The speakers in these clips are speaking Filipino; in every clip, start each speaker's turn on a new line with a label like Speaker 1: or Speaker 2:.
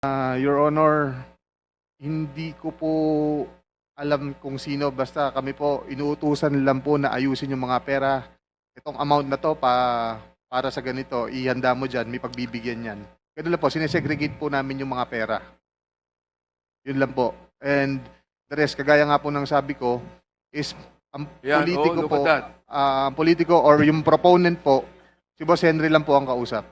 Speaker 1: Your Honor, hindi ko po alam kung sino, basta kami po inuutusan lang po na ayusin yung mga pera. Itong amount na to para sa ganito, ihanda mo dyan, may pagbibigyan yan. Ganun lang po, sinesegregate po namin yung mga pera. Yun lang po. And the rest, kagaya nga po ng sabi ko, is ang politiko po, ang politiko or yung proponent po, si Boss Henry lang po ang kausap.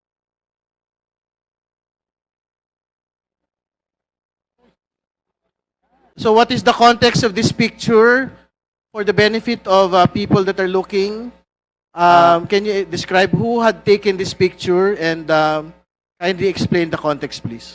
Speaker 2: So what is the context of this picture for the benefit of people that are looking? Can you describe who had taken this picture and kindly explain the context, please?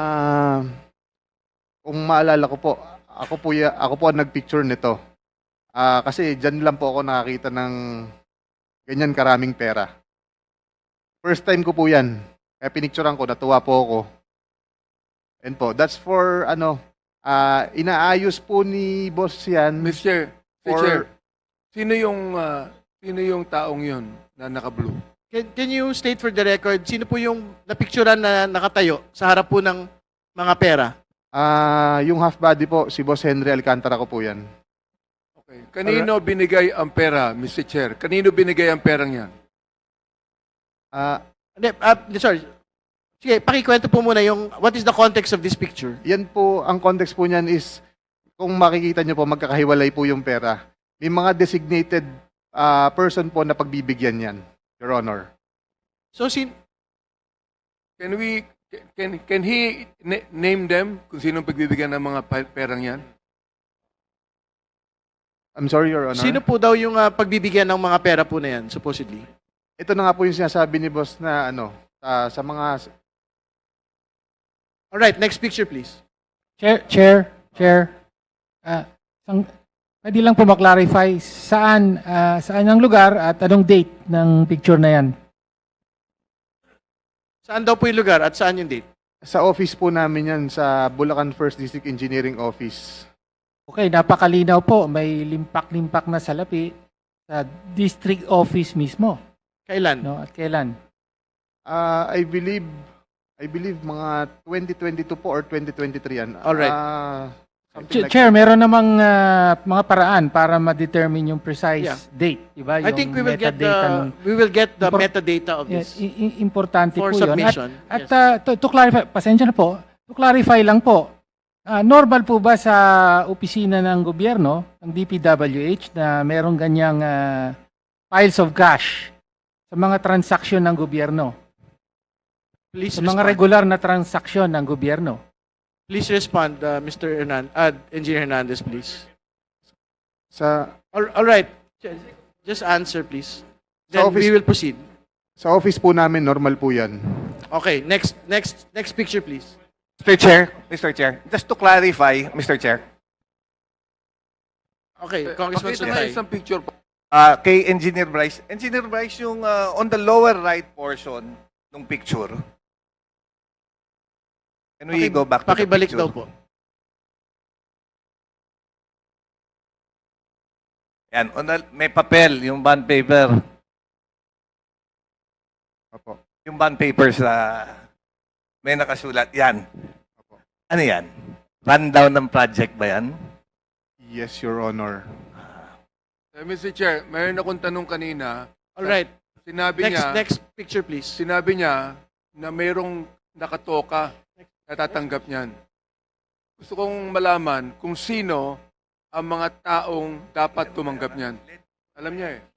Speaker 1: Kung maalala ko po, ako po ang nagpicture nito. Kasi dyan lang po ako nakakita ng ganyan karaming pera. First time ko po yan. Kaya pinicturean ko, natuwa po ako. And po, that's for inaayos po ni boss yan.
Speaker 3: Mr.
Speaker 1: for-
Speaker 3: Chair, sino yung taong yun na naka-blue?
Speaker 2: Can you state for the record, sino po yung napicturean na nakatayo sa harap po ng mga pera?
Speaker 1: Yung half body po, si Boss Henry Alcantara ko po yan.
Speaker 3: Okay. Kanino binigay ang pera, Mr. Chair? Kanino binigay ang perang yan?
Speaker 2: Sorry. Sige, pakikwento po muna yung what is the context of this picture?
Speaker 1: Yan po, ang context po niyan is, kung makikita nyo po, magkakahiwalay po yung pera. May mga designated person po na pagbibigyan yan, Your Honor.
Speaker 2: So
Speaker 3: Can he name them kung sino pagbibigyan ng mga perang yan?
Speaker 1: I'm sorry, Your Honor.
Speaker 2: sino po daw yung pagbibigyan ng mga pera po na yan, supposedly?
Speaker 1: Ito na nga po yung sinasabi ni boss na sa mga...
Speaker 2: Alright, next picture please.
Speaker 4: Chair. Pwede lang po maklarify saan ang lugar at anong date ng picture na yan?
Speaker 2: Saan daw po yung lugar at saan yung date?
Speaker 1: Sa office po namin yan, sa Bulacan First District Engineering Office.
Speaker 4: Okay, napakalinaw po. May limpak-limpak na salapi sa district office mismo.
Speaker 2: Kailan?
Speaker 4: No? At kailan?
Speaker 1: I believe mga 2022 po or 2023 yan.
Speaker 2: Alright.
Speaker 1: Something like
Speaker 4: Chair,
Speaker 1: that.
Speaker 4: meron namang mga paraan para ma-determine yung precise
Speaker 2: Yeah.
Speaker 4: date. Diba?
Speaker 2: I think we will get
Speaker 4: metadata
Speaker 2: the
Speaker 4: Impor-
Speaker 2: metadata of
Speaker 4: Yes,
Speaker 2: this
Speaker 4: importante
Speaker 2: for
Speaker 4: po yun.
Speaker 2: submission.
Speaker 4: At
Speaker 2: Yes.
Speaker 4: to clarify, pasensya na po, to clarify lang po, normal po ba sa opisina ng gobyerno, ng DPWH, na merong ganyang piles of cash sa mga transaksyon ng gobyerno?
Speaker 2: Please
Speaker 4: Sa mga
Speaker 2: respond.
Speaker 4: regular na transaksyon ng gobyerno?
Speaker 2: Please respond, Mr. Engineer Hernandez, please. All right. Just answer, please.
Speaker 1: Sa
Speaker 2: Then
Speaker 1: office-
Speaker 2: we will proceed.
Speaker 1: Sa office po namin, normal po yan.
Speaker 2: Okay, next picture, please.
Speaker 5: Mr. Chair, just to clarify, Mr. Chair,
Speaker 2: Okay, Congressman
Speaker 3: Pakita nga
Speaker 2: Sutay.
Speaker 3: isang picture po.
Speaker 5: kay Engineer Bryce yung on the lower right portion ng picture. Can we go back to the
Speaker 2: Pakibalik
Speaker 5: picture?
Speaker 2: daw po.
Speaker 5: Yan, may papel, yung bond paper.
Speaker 1: Opo.
Speaker 5: Yung bond paper sa may nakasulat. Yan.
Speaker 1: Opo.
Speaker 5: Ano yan? Rundown ng project ba yan?
Speaker 1: Yes, Your Honor.
Speaker 3: Mr. Chair, mayroon akong tanong kanina.
Speaker 2: All right.
Speaker 3: Sinabi
Speaker 2: Next picture, please.
Speaker 3: Sinabi niya na mayroong nakatoka na tatanggap niyan. Gusto kong malaman kung sino ang mga taong dapat tumanggap niyan. Alam niya eh.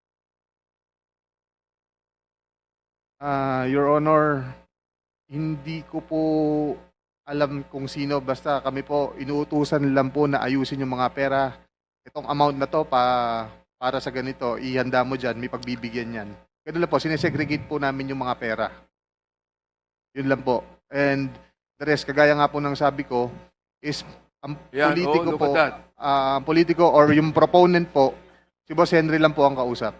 Speaker 1: Your Honor, hindi ko po alam kung sino, basta kami po inuutusan lang po na ayusin yung mga pera. Itong amount na to para sa ganito, ihanda mo dyan, may pagbibigyan yan. Ganun lang po, sinesegregate po namin yung mga pera. Yun lang po. And the rest, kagaya nga po ng sabi ko, is ang politiko
Speaker 3: look
Speaker 1: po,
Speaker 3: at that.
Speaker 1: ang politiko or yung proponent po, si Boss Henry lang po ang kausap.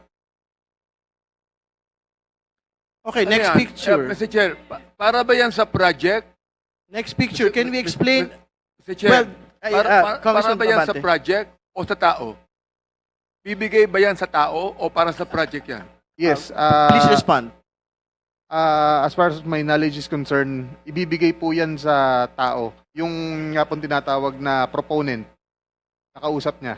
Speaker 2: Okay,
Speaker 3: Ano
Speaker 2: next
Speaker 3: yan?
Speaker 2: picture.
Speaker 3: Mr. Chair, para ba yan sa project?
Speaker 2: Next picture. Can we explain?
Speaker 3: Mr. Chair,
Speaker 2: Well,
Speaker 3: para
Speaker 2: Congressman
Speaker 3: ba yan sa
Speaker 2: Abante.
Speaker 3: project o sa tao? Bibigay ba yan sa tao o para sa project yan?
Speaker 1: Yes.
Speaker 2: Please respond.
Speaker 1: As far as my knowledge is concerned, ibibigay po yan sa tao. Yung nga pong tinatawag na proponent, nakausap niya.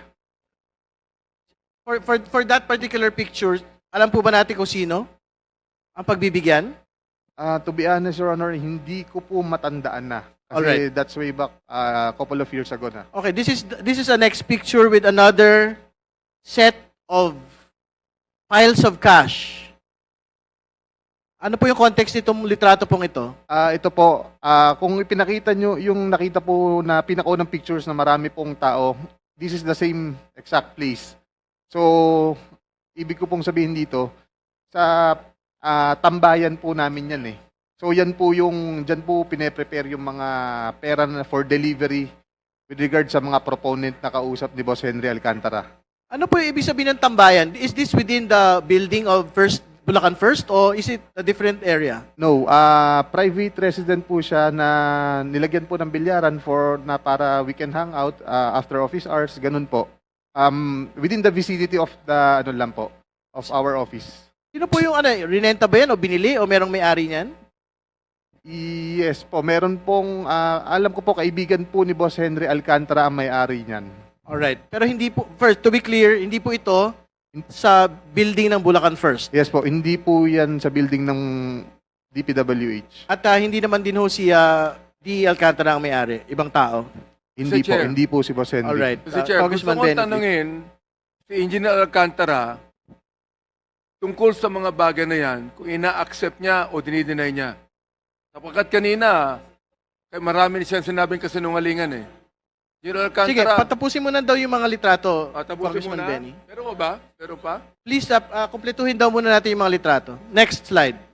Speaker 2: For that particular picture, alam po ba natin kung sino ang pagbibigyan?
Speaker 1: To be honest, Your Honor, hindi ko po matandaan na. Kasi
Speaker 2: Alright.
Speaker 1: that's way back a couple of years ago na.
Speaker 2: Okay, this is a next picture with another set of piles of cash. Ano po yung context nitong litrato pong ito?
Speaker 1: Ito po, kung ipinakita nyo yung nakita po na pinakaunang pictures na marami pong tao, this is the same exact place. So, ibig ko pong sabihin dito, sa tambayan po namin yan eh. So, yan po yung, dyan po pine-prepare yung mga pera na for delivery with regard sa mga proponent na kausap ni Boss Henry Alcantara.
Speaker 2: Ano po yung ibig sabihin ng tambayan? Is this within the building of Bulacan First or is it a different area?
Speaker 1: No, private resident po siya na nilagyan po ng bilyaran para we can hang out after office hours, ganun po. Within the vicinity of the of our office.
Speaker 2: Sino po yung rinenta ba yan o binili o merong may-ari niyan?
Speaker 1: Yes po, meron pong alam ko po kaibigan po ni Boss Henry Alcantara ang may-ari niyan.
Speaker 2: Alright. Pero hindi po, first, to be clear, hindi po ito sa building ng Bulacan First.
Speaker 1: Yes po, hindi po yan sa building ng DPWH.
Speaker 2: At hindi naman din ho si D. Alcantara ang may-ari, ibang tao.
Speaker 1: Hindi po,
Speaker 3: Chair.
Speaker 1: hindi po si Boss Henry.
Speaker 2: Alright.
Speaker 3: Mr. Chair, gusto
Speaker 2: Congressman
Speaker 3: ko
Speaker 2: Benedict.
Speaker 3: tanungin si Engineer Alcantara tungkol sa mga bagay na yan, kung ina-accept niya o dinideny niya. Sapagkat kanina, marami siyang sinabing kasinungalingan eh. Engineer
Speaker 2: Sige,
Speaker 3: Alcantara,
Speaker 2: patapusin mo na daw yung mga litrato,
Speaker 3: tapusin mo
Speaker 2: Congressman
Speaker 3: na.
Speaker 2: Benny.
Speaker 3: Meron pa ba? Meron pa?
Speaker 2: Please, kumpletuhin daw muna natin yung mga litrato. Next slide.